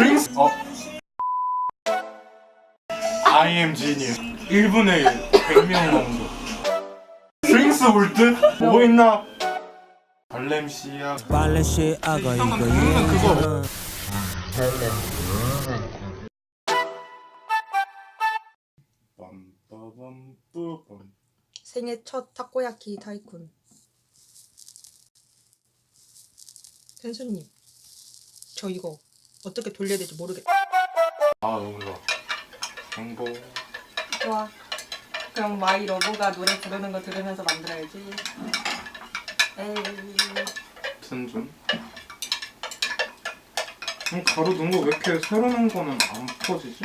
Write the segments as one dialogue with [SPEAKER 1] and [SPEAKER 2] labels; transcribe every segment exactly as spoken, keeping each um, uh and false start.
[SPEAKER 1] 스윙스 어 I am genius 일 분에 백 명 정도 스윙스 볼트? 보고 있나? 발렘시아
[SPEAKER 2] 발렌시아가
[SPEAKER 1] 형은 부르는 그거 빰빠밤뿌밤
[SPEAKER 3] 생애 첫 타코야키 타이쿤. 텐수님, 저 이거 어떻게 돌려야 될지 모르겠다.
[SPEAKER 1] 아 너무 좋아 행복
[SPEAKER 3] 좋아. 그럼 마이 러브가 노래 부르는 거 들으면서 만들어야지. 에이.
[SPEAKER 1] 텐준 음, 가루 넣은 거 왜 이렇게 새로 넣은 거는 안 퍼지지?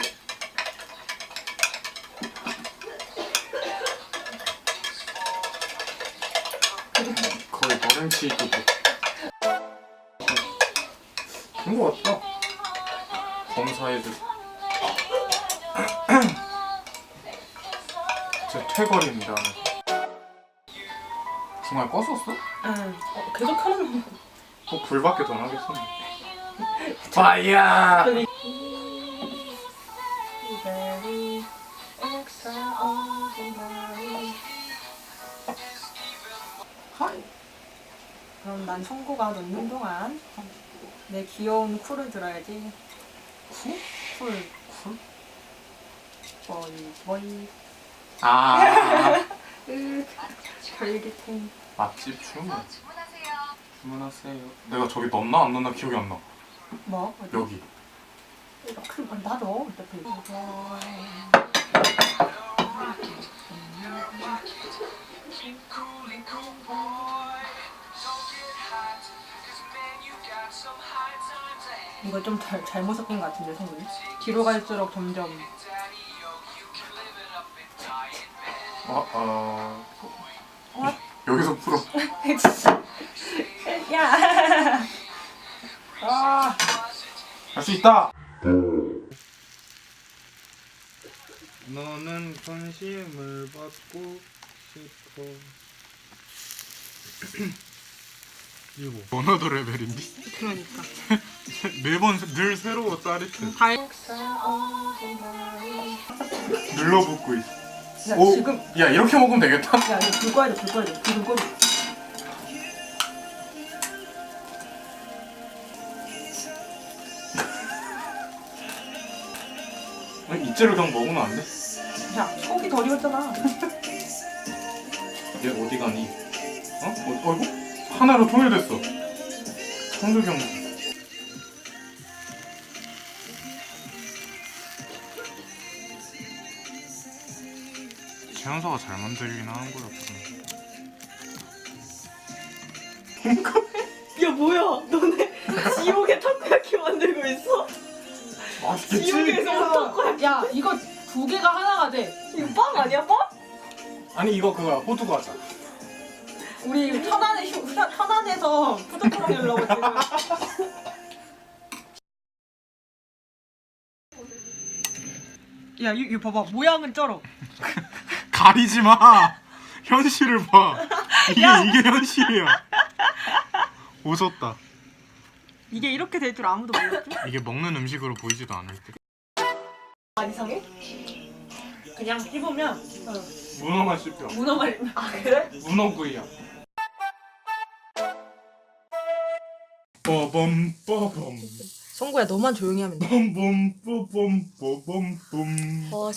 [SPEAKER 1] 거의 버렌치 있고 그런 거 같다 검사해줄 제 퇴거리입니다 중간에 껐었어?
[SPEAKER 3] 응. 어, 계속 켜놓는 거.
[SPEAKER 1] 뭐 불밖에 더 나겠어 파이야
[SPEAKER 3] 그럼 난 청구가 넣는 동안 내 귀여운 쿨을 들어야지.
[SPEAKER 1] 쿨?
[SPEAKER 3] 쿨.
[SPEAKER 1] 쿨?
[SPEAKER 3] 버이 버이.
[SPEAKER 1] 아
[SPEAKER 3] 으 별기탱.
[SPEAKER 1] 맛집 주문 주문하세요 내가 저기 넣었나 안 넣었나 기억이 안나
[SPEAKER 3] 뭐? 어디?
[SPEAKER 1] 여기
[SPEAKER 3] 그럼 나도 어차피. 이거 좀 잘, 잘못 섞인 것 같은데 성분이? 뒤로 갈수록 점점
[SPEAKER 1] 어? 어...
[SPEAKER 3] 어?
[SPEAKER 1] 여기서 풀어
[SPEAKER 3] 야! 아!
[SPEAKER 1] 할 수 있다! 너는 관심을 받고 싶어 이거 번호도 레벨인데?
[SPEAKER 3] 그러니까
[SPEAKER 1] 매번 늘 새로워 짜릿해
[SPEAKER 3] 달...
[SPEAKER 1] 눌러붙고 있어
[SPEAKER 3] 야
[SPEAKER 1] 오,
[SPEAKER 3] 지금
[SPEAKER 1] 야 이렇게 먹으면 되겠다?
[SPEAKER 3] 야 이거 불 꺼야 돼 불 꺼야 돼 불 꺼야 돼
[SPEAKER 1] 아니 이째로 그냥 먹으면 안 돼?
[SPEAKER 3] 야 속이 덜 익었잖아
[SPEAKER 1] 얘 어디 가니? 어? 어? 어이구? 하나로 통일됐어 청주경수 최연서가 잘 만들긴 하는 거였거든
[SPEAKER 3] 야 뭐야 너네 지옥의 타코야키 만들고 있어?
[SPEAKER 1] 맛있겠지?
[SPEAKER 3] 지옥에서 타코야키 야 이거 두 개가 하나가 돼 이거 빵 아니야 빵?
[SPEAKER 1] 아니 이거 그거야 호두 과자
[SPEAKER 3] 우리 천안에 휴, 천안에서 푸드트럭 열려고 지금 야 이거 봐봐 모양은 쩔어
[SPEAKER 1] 가리지 마 현실을 봐 이게 이게 현실이야 오졌다
[SPEAKER 3] 이게 이렇게 될 줄 아무도 몰랐지?
[SPEAKER 1] 이게 먹는 음식으로 보이지도 않을 때
[SPEAKER 3] 안 이상해? 그냥 씹으면 어.
[SPEAKER 1] 문어만 씹혀
[SPEAKER 3] 문어말 아 그래?
[SPEAKER 1] 문어구이야 빠밤 빠밤
[SPEAKER 3] 성구야 너만 조용히 하면 돼
[SPEAKER 1] 빰빰 빠밤 빠밤 빰
[SPEAKER 3] 어,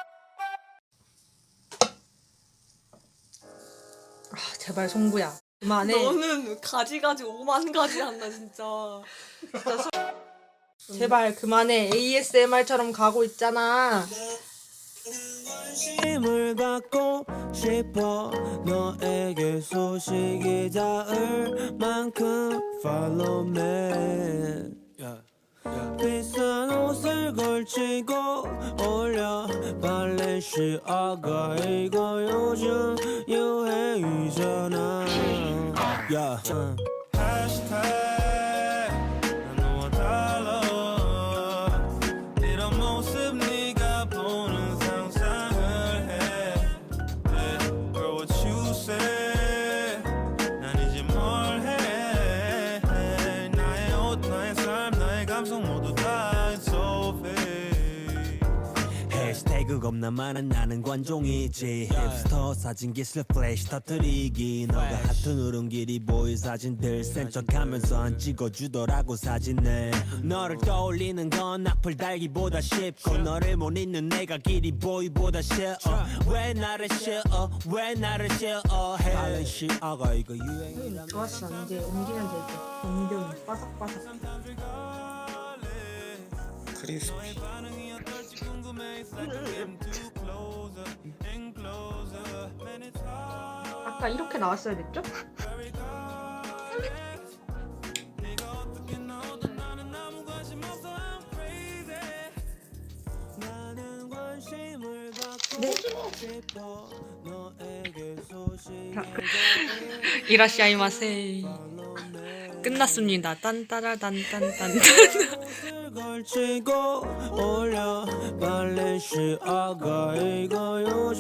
[SPEAKER 3] 아 제발 송구야 그만해
[SPEAKER 4] 너는 가지 가지 오만 가지 한다 진짜.
[SPEAKER 3] 진짜 소... 제발 그만해 에이에스엠알처럼 가고 있잖아
[SPEAKER 2] 힘을 갖고 싶어 너에게 소식이 닿을 만큼 Follow me yeah. Yeah. 비싼 옷을 걸치고 올려 발렌시아가 이거 요즘 유행이잖아 yeah. uh.
[SPEAKER 5] 감성 모두 다 있어
[SPEAKER 2] 겁나많은 나는 관종이지 힙스터 사진기술 플래시 터뜨리기 너가 하트 누른 길이 보일 사진들 센 척하면서 안 찍어주더라고 사진을 너를 떠올리는 건 악플 달기보다 쉽고 너를 못 잊는 내가 길이 보이보다 싫어 왜 나를 싫어 왜 나를 싫어해 다른 시아가 이거 유행이란
[SPEAKER 3] 좋았어. 이제 옮기면 될 듯. 옮겨 바삭바삭.
[SPEAKER 1] 크리스피.
[SPEAKER 3] 아까 이렇게 나왔어야 됐죠?
[SPEAKER 2] 나는 관심을 받고
[SPEAKER 3] 네.
[SPEAKER 2] 싶어 너에게 소식을
[SPEAKER 4] 이라시아이마세. 끝났습니다. 딴따라단딴딴딴.
[SPEAKER 2] 옷을 걸치고 올려 발렌시아가 이거 요즘